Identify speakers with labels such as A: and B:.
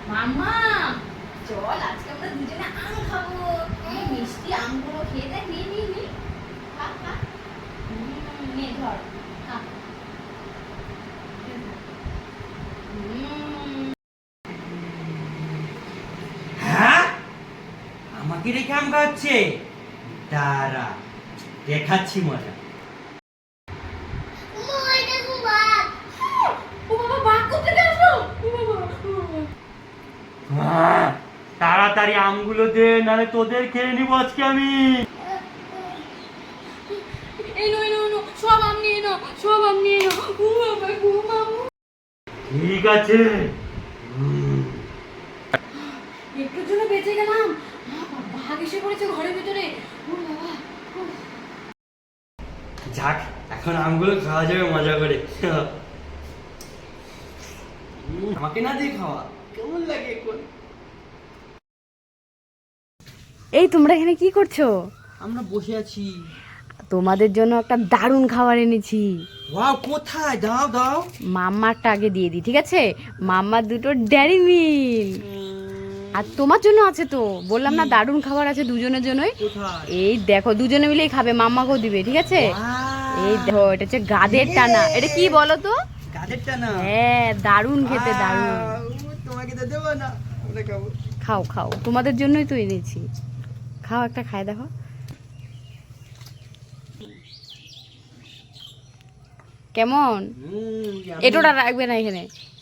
A: মাম্মা চল আজকে আমরা দুজনে আম খাবো। এই মিষ্টি আমগুলো খেয়ে দেখ। নি নি নি খা খা। নে ধর খা।
B: হ্যাঁ, আমাকে রেখে আম খাচ্ছে। দাঁড়া, দেখাচ্ছি মজা।
A: ও বাবা বাঘ কোথা থেকে আসলো? ও বাবা
B: তাড়াতাড়ি আমগুলো দে, নাহলে তোদের খেয়ে নিবো আজকে আমি।
A: এই নো সব আম নিয়ে নাও, সব আম নিয়ে নাও। ও বাবা গো মামু
B: ঠিক আছে।
A: একটুর জন্য বেঁচে গেলাম। বাঘ এসে পড়েছে ঘরের ভিতরে। ও বাবা
B: যাক, এখন আমগুলো খাওয়া যাবে মজা করে। আমাকে না দিয়ে খাওয়া কেমন লাগে এখন?
A: এই তোমরা এখানে কি করছো?
B: আমরা বসে আছি।
A: তোমাদের জন্য একটা দারুণ খাবার এনেছি।
B: ওয়াও, কোথায়? দাও দাও।
A: মাম্মারটা আগে দিয়ে দিই, ঠিক আছে? মাম্মার দুটো ডেয়ারি মিল্ক। আর তোমার জন্য আছে তো, বললাম না দারুণ খাবার আছে দুজনের জন্যই।
B: কোথায়?
A: এই দেখো দুজনে মিলেই খাবে, মাম্মাকেও দিবে, ঠিক আছে? এই দেখো, এটা হচ্ছে গাদের টানা। এটা কি বলো তো?
B: গাজরটা না?
A: হ্যাঁ, দারুণ খেতে, দারুণ।
B: তোমাকে তো দেবো না, আমরা খাবো।
A: খাও খাও, তোমাদের জন্যই তো এনেছি। খাও, একটা খায় দেখো। কেমন? এটোটা রাখবে না এখানে।